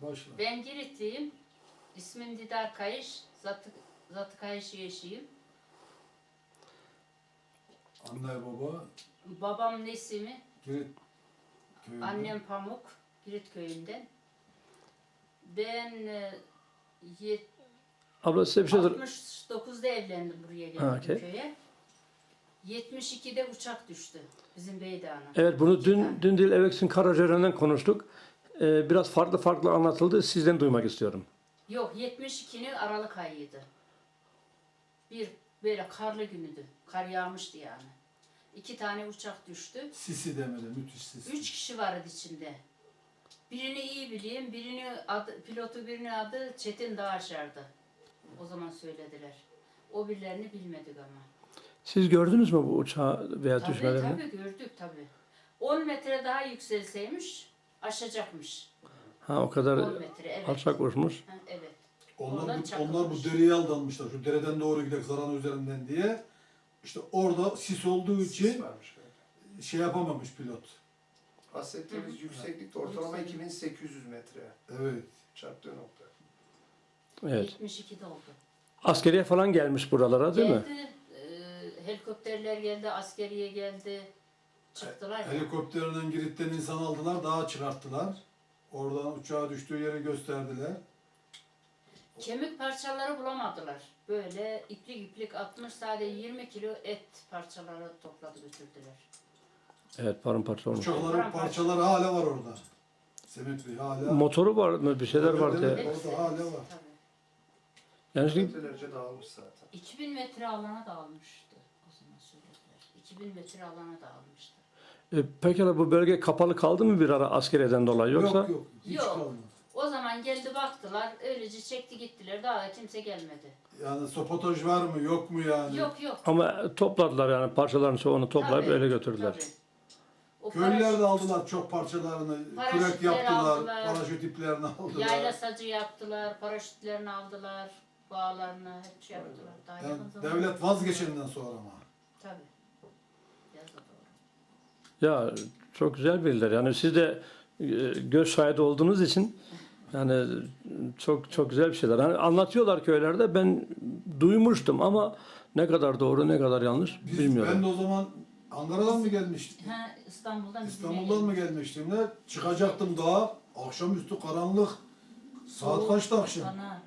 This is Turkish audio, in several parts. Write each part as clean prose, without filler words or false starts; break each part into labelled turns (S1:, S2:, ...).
S1: Başla.
S2: Ben Giritliyim. İsmim Didar Kayış. Zatı Kayış eşiyim.
S1: Anne baba
S2: Babam Nesimi,
S1: Girit köyünde.
S2: annem Pamuk, Girit köyünden. Ben
S3: Abla size bir şey sor.
S2: 69'da evlendim, buraya geldim
S3: Ha, okey.
S2: köye. 72'de uçak düştü bizim Beydağ'ına.
S3: Evet, bunu
S2: İki tane.
S3: dün değil evvelsi Karacaören'den konuştuk. Biraz farklı anlatıldı. Sizden duymak istiyorum.
S2: Yok, 72'nin Aralık ayıydı. Bir böyle karlı günüydü. Kar yağmıştı yani. 2 tane uçak düştü.
S1: Sisi demedi, müthiş sisi.
S2: 3 kişi vardı içinde. Birini iyi bileyim, pilotu birinin adı Çetin Dağaşar'dı. O zaman söylediler. O birilerini bilmedik ama.
S3: Siz gördünüz mü bu uçağı veya
S2: Tabii
S3: düşmelerini?
S2: tabii gördük tabii. 10 metre daha yükselseymiş aşacakmış.
S3: Ha, o kadar
S2: 10 metre evet.
S3: alçak uçmuş.
S2: Ha, evet.
S1: Onlar
S2: Oradan
S1: bu
S2: çakılmış.
S1: dereye aldanmışlar. Şu dereden doğru gidelim Zaran üzerinden diye. İşte orada sis olduğu için
S4: varmış böyle.
S1: şey yapamamış pilot.
S4: Bahsettiğimiz yükseklikte ortalama 2800 metre
S1: Evet.
S4: çarptığı nokta.
S3: Evet.
S2: 72'de oldu.
S3: Askeriye falan gelmiş buralara değil mi?
S2: Geldi, helikopterler geldi, askeriye geldi. Çıktılar ya.
S1: Helikopterinden Girit'ten insan aldılar, dağa çıkarttılar. Oradan uçağa düştüğü yeri gösterdiler.
S2: Kemik parçaları bulamadılar. Böyle iplik iplik atmış, sadece 20 kilo et parçaları topladı götürdüler.
S3: Evet, paramparça olmuş.
S1: Uçakların parçaları hala var orada. Semet Bey hala.
S3: Motoru var mı? Bir şeyler
S1: Evet,
S3: vardı.
S1: evet. Orada hala var.
S2: Tabii.
S3: Yani şimdi
S4: Metrelerce dağılmış zaten.
S2: 2000 metre alana dağılmıştı. O zaman söylediler. 2000 metre alana dağılmıştı.
S3: pekala bu bölge kapalı kaldı mı bir ara askeriyeden dolayı yoksa?
S1: Yok yok. Hiç
S2: Yok.
S1: kalmadı.
S2: O zaman geldi baktılar, öylece çekti gittiler. Daha da kimse gelmedi.
S1: Yani sabotaj var mı yok mu yani?
S2: Yok yok.
S3: Ama topladılar yani parçaların çoğunu toplayıp
S2: Tabii,
S3: öyle götürdüler.
S2: tabii. O
S1: Köylüler de aldılar çok parçalarını.
S2: Paraşütler
S1: Kürek yaptılar.
S2: aldılar.
S1: Paraşüt iplerini aldılar.
S2: Yayla sacı yaptılar, paraşütlerini aldılar, bağlarını hep şey yaptılar. Daha
S1: Yani
S2: yakın zamanda.
S1: devlet vazgeçeninden sonra ama.
S2: Tabii. Yazı doğru.
S3: Ya çok güzel bildiler. Yani siz de göz şahidi olduğunuz için yani çok güzel bir şeyler. Hani anlatıyorlar köylerde, ben duymuştum ama ne kadar doğru ne kadar yanlış bilmiyorum.
S1: Ben de o zaman Ankara'dan mı gelmiştim?
S2: Ha, İstanbul'dan
S1: İstanbul'dan mı gelmiştim ne? Çıkacaktım dağa. Akşamüstü karanlık. Saat kaçtı akşam?
S2: Bana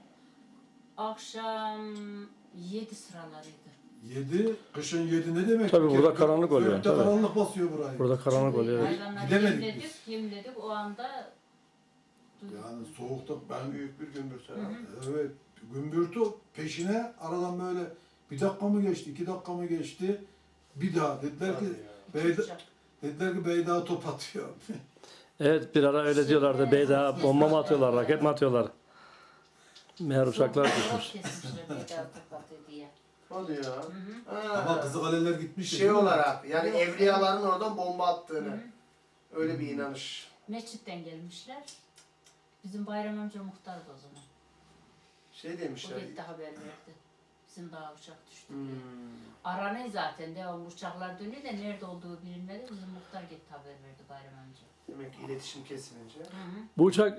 S2: akşam 7 sıralarıydı.
S1: 7. Kışın 7 ne demek?
S3: Tabii burada karanlık oluyor,
S1: Gökte
S3: tabii.
S1: karanlık basıyor burayı.
S3: Burada karanlık oluyor. Evet.
S2: Hayvanları
S1: Gidemedik
S2: yemledik o anda duyduk.
S1: Yani soğukta ben
S4: Büyük bir gümbürtü.
S1: evet gümbürtü peşine aradan böyle bir dakika mı geçti, 2 dakika mı geçti? Bir daha dediler ki
S2: Çocuk.
S1: Beyda top atıyor.
S3: Evet, bir ara öyle diyorlardı. Beyda bomba mı atıyorlar, raket mi atıyorlar? Meğer uçaklar düşmüş.
S2: Kesmişler Beyda Topatı diye.
S4: Hadi ya.
S1: Ama Kızılkale'ler gitmiş.
S4: Şey
S1: değil mi?
S4: olarak yani
S2: Yok.
S4: evliyaların oradan bomba attığını. Öyle bir inanış.
S2: Mescitten gelmişler. Bizim Bayram amca muhtardı o zaman.
S4: Şey
S2: O
S4: demişler.
S2: gitti haber verdi. Bizim daha uçak düştü diye.
S4: Hmm.
S2: Aranıyor zaten devam uçaklar dönüyor da nerede olduğu bilinmedi. Bizim muhtar gitti haber verdi Bayram amca.
S4: Demek ki iletişim kesilince.
S3: Bu uçak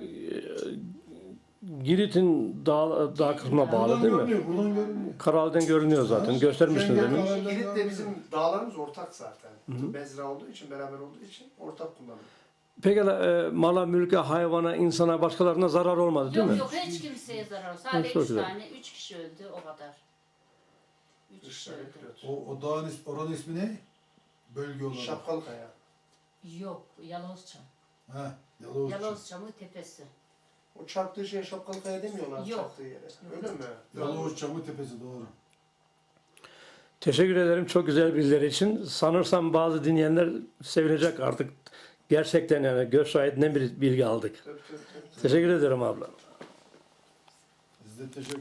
S3: Girit'in dağ kısmına bağlı
S1: Buradan
S3: değil mi?
S1: görünüyor, buradan görünüyor.
S3: Karal'den görünüyor zaten. Göstermiştiniz
S1: Şengen
S3: demin.
S1: Karal'den
S4: Girit de
S1: görünüyor.
S4: bizim dağlarımız ortak zaten. Bezra olduğu için, beraber olduğu için ortak kullanılıyor.
S3: Pekala mala, mülke, hayvana, insana, başkalarına zarar olmadı değil
S2: Yok
S3: mi?
S2: yok hiç kimseye zarar oldu. Sadece
S3: çok
S2: 3
S3: güzel.
S2: tane, 3 kişi öldü o kadar. 3 kişi
S4: Dışarı
S2: öldü.
S4: pilot.
S1: O dağın oranın ismi ne? Bölge olarak.
S4: Şapkalı kaya.
S2: Yok Yalovuzçam.
S1: He, Yalovuz.
S2: Yalovuzçam'ın tepesi.
S4: O çarptığı şeye şapkalı kaya demiyorlar
S2: Yok.
S4: çarptığı yere. Öyle mi?
S1: Yalovuz Çamı Tepesi doğru.
S3: Teşekkür ederim çok güzel bilgiler için. Sanırsam bazı dinleyenler sevinecek artık. Gerçekten yani göz şahit ne bir bilgi aldık.
S4: Tabii.
S3: Teşekkür ederim abla.
S1: Biz de teşekkür